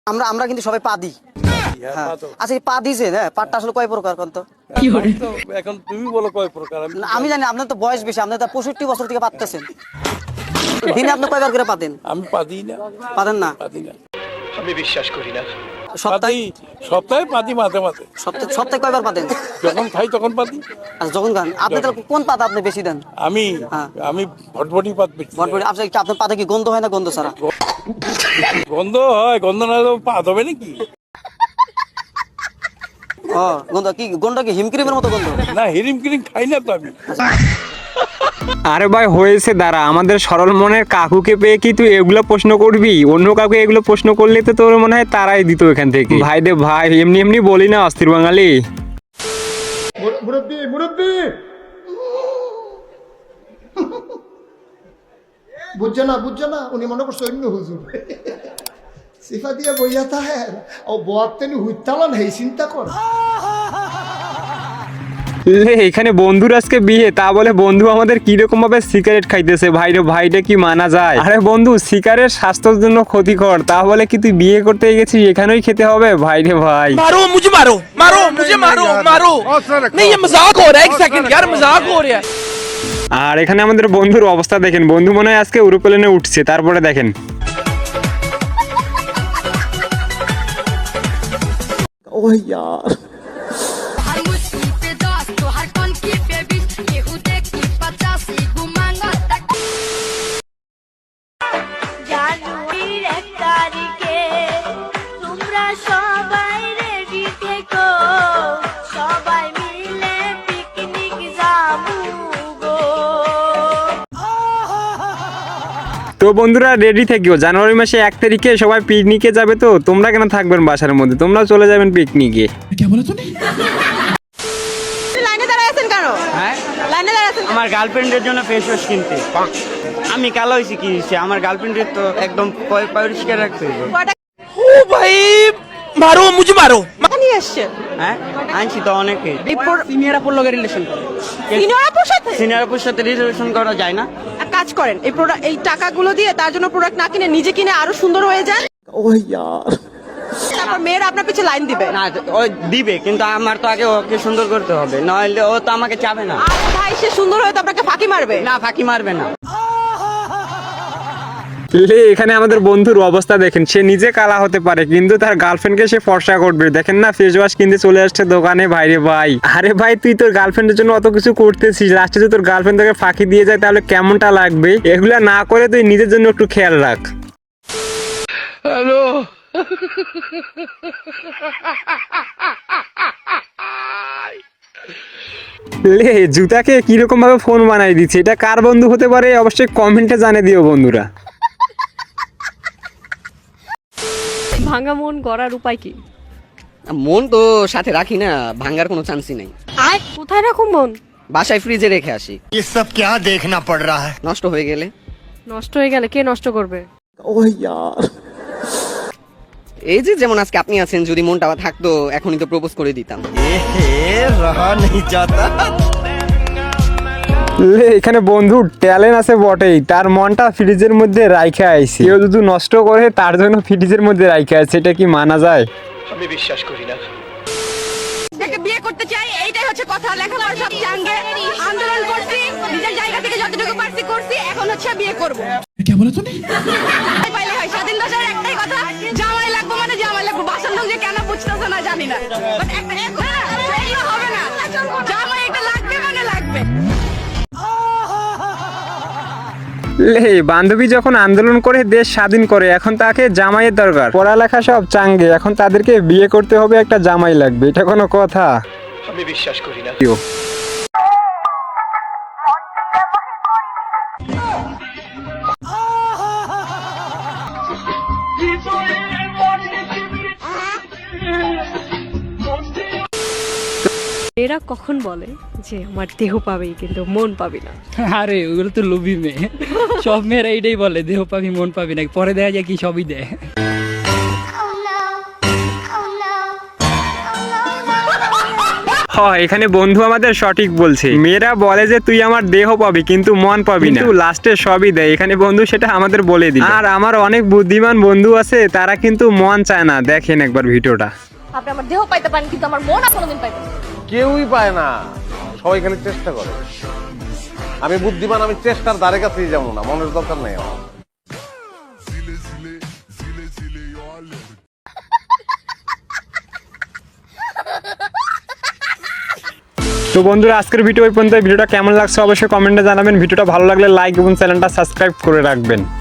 আমরা আমরা কিন্তু সবাই পা দিই। হ্যাঁ। আচ্ছা এই পা দিয়েছেন, হ্যাঁ, পাটটা আসলে কয় প্রকার কোন তো? এখন তুমি বলো কয় প্রকার। আমি জানি আপনার তো বয়স বেশি, আপনি তো 65 বছর থেকে পাততেছেন। দিনে আপনি কয়বার করে পাতেন? আমি পাদি না, পাতেন না? পাদি না, আমি বিশ্বাস করি না। সপ্তাহে সপ্তাহে পাদি, মাঝে মাঝে সপ্তাহে কয়বার পাতেন? যখন খাই তখন পাদি। আচ্ছা যখন খান আপনি তাহলে কোন পাতা আপনি বেশি দেন? আমি হ্যাঁ। আমি ভটভটি পাত বেশি। বটবটি আপনার পাতা কি গন্ধ হয় না গন্ধ ছাড়া? গন্ধ হয়, গন্ধ না হলেও পাত হবে নাকি? ও গন্ধ কি? গন্ধ কি হিমক্রিমের মতো গন্ধ? না, হিরিম ক্রিম খাই না তো আমি। আরে ভাই হয়েছে, দাঁড়া, আমাদের সরল মনের কাকুকে পেয়ে কি তুই এগুলো প্রশ্ন করবি? অন্য কাউকে এগুলো প্রশ্ন করলে তো তোর মনে হয় তারাই দিত এখান থেকে। ভাই রে ভাই, এমনি এমনি বলি না অস্থির বাঙালি। মুরব্বি মুরব্বি বুঝছো না উনি মনে করছে অন্য হুজুর সিফা দিয়ে বইয়া তাহের ও বোয়াতেনি হুইতালান হেই চিন্তা কর। লে, এখানে বন্ধুর আজকে বিয়ে, তা বলে বন্ধু আমাদের কিরকম ভাবে সিগারেট খাইতেছে। ভাই রে ভাইটা কি মানা যায়? আরে বন্ধু, সিগারেট স্বাস্থ্যের জন্য ক্ষতিকর, তা বলে কি তুই বিয়ে করতে গেছিস এখানেই খেতে হবে? ভাই রে ভাই, मारो मुझे मारो मारो मुझे मारो मारो नहीं ये मजाक हो रहा है एक सेकंड यार मजाक हो रहा है। আর এখানে আমাদের বন্ধুর অবস্থা দেখেন, বন্ধু মনে হয় আজকে এরোপ্লেনে উঠছে। তারপরে দেখেন ওহ ইয়ার জানুয়ারির 1 তারিখে তোমরা সবাই রেডি থেকো, সবাই মিলে পিকনিক যাবো গো। তো বন্ধুরা রেডি থেকেও, জানুয়ারি মাসে 1 তারিখে সবাই পিকনিকে যাবে। তো তোমরা কেন থাকবেন বাসার মধ্যে? তোমরা চলে যাবেন পিকনিকে। লাইনে দাঁড়ায় আছেন কেন? হ্যাঁ, লাইনে দাঁড়ায় আছেন? আমার গার্লফ্রেন্ডের জন্য ফেস ওয়াশ কিনতে। আমি কালো হয়েছি কি হয়েছে? আমার গার্লফ্রেন্ডের তো একদম পরিষ্কার রাখতে হবে। কয়টা ओ भाई मारो मुझे मारो। টাকা নিয়ে আসছেন? হ্যাঁ, আনছি তো অনেকে। সিনিয়র আপুর লগে রিলেশন করে। সিনিয়র আপুর সাথে? সিনিয়র আপুর সাথে রিলেশন করা যায় না। এক কাজ করেন, এই টাকাগুলো দিয়ে তার জন্য প্রোডাক্ট না কিনে নিজে কিনে আরো সুন্দর হয়ে যান। ওহ ইয়ার তারপর মেয়েরা আপনার পিছে লাইন দিবে। না, ও দিবে, কিন্তু আমার তো আগে ওকে সুন্দর করতে হবে, নইলে ও তো আমাকে চাবে না। আর ভাই সে সুন্দর হয়ে তো আপনাকে ফাঁকি মারবে। না, ফাঁকি মারবে না। লে, এখানে আমাদের বন্ধুর অবস্থা দেখেন, সে নিজে কালা হতে পারে কিন্তু তার গার্লফ্রেন্ডকে সে ফর্সা করবে। দেখেন না, ফেস ওয়াশ কিনতে চলে আসছে দোকানে। ভাইরে ভাই, আরে ভাই তুই তোর গার্লফ্রেন্ডের জন্য অত কিছু করতেছিস, লাস্টে যদি তোর গার্লফ্রেন্ড তোকে ফাঁকি দিয়ে যায় তাহলে কেমনটা লাগবে? এগুলা না করে তুই নিজের জন্য একটু খেয়াল রাখ। हेलो লে, জুতাকে কিরকম ভাবে ফোন বানাই দিচ্ছে, এটা কার বন্ধু হতে পারে অবশ্যই কমেন্টে জানিয়ে দিও বন্ধুরা। ভাঙা মন গড়ার উপায় কি? মন তো সাথে রাখি না, ভাঙার কোনো চান্সই নেই। আয় কোথায় রাখুন মন? বাসায় ফ্রিজে রেখে আসি। ये सब क्या देखना पड़ रहा है? নষ্ট হয়ে গেলে? নষ্ট হয়ে গেলে কে নষ্ট করবে? ওহ ইয়ার এই যে যেমন আজকে আপনি আছেন, যদি মনটা থাকতো এখনই তো প্রপোজ করে দিতাম। रहा नहीं जाता। লে, এখানে বন্ধুর ট্যালেন্ট আছে বটেই, তার মনটা ফ্রিজের মধ্যে রাইখা আইছে। কেউ যদি নষ্ট করে তার জন্য ফ্রিজের মধ্যে রাইখা আছে, এটা কি মানা যায়? আমি বিশ্বাস করি না। যাকে বিয়ে করতে চাই এইটাই হচ্ছে কথা। লেখাপড়া সব জাঙ্গে আন্দোলন করছি, নিজের জায়গা থেকে যতটুকু পারছি করছি, এখন হচ্ছে বিয়ে করব। क्या बोला तूने? পাইলে হয়। স্বাধীন দেশের একটাই কথা, জামাই লাগবো মানে জামাই লাগবো। বাসার লোক যে কেন বুঝতেছে না জানি না, বাট একটা এগুলো হবে না। জামাই একটা লাগবে মানে লাগবে। লে, বান্ধবী যখন আন্দোলন করে দেশ স্বাধীন করে, এখন তাকে জামাইয়ের দরকার। পড়ালেখা সব চাঙ্গে, এখন তাদেরকে বিয়ে করতে হবে, একটা জামাই লাগবে, এটা কোনো কথা? আমি বিশ্বাস করি না। এরা কখন বলে যে আমার দেহ পাবেই কিন্তু মন পাবি না? আরে ওগুলো তো লোভী মেয়ে, সব মেয়েরা এইটাই বলে দেহ পাবি মন পাবি না, পরে দেখা যায় কি সবই দেয়। এখানে বন্ধু আমাদের সঠিক বলছে, মেয়েরা বলে যে তুই আমার দেহ পাবি কিন্তু মন পাবি না, কিন্তু লাস্টে সবই দেয়। এখানে বন্ধু সেটা আমাদের বলে দিল। আর আমার অনেক বুদ্ধিমান বন্ধু আছে, তারা কিন্তু মন চায় না। দেখেন একবার ভিডিওটা। আপনি আমার দেহ পাইতে পারেন কিন্তু আমার মন কোনোদিন পাইতে না। কেউই পায় না, সবাই খালি চেষ্টা করে। আমি বুদ্ধিমান, আমি চেষ্টার ধারে কাছেই যাবো না, মনের দরকার নেই আমার। তো বন্ধুরা আজকের ভিডিও এই পর্যন্ত। ভিডিওটা কেমন লাগছে অবশ্যই কমেন্টে জানাবেন। ভিডিওটা ভালো লাগলে লাইক এবং চ্যানেলটা সাবস্ক্রাইব করে রাখবেন।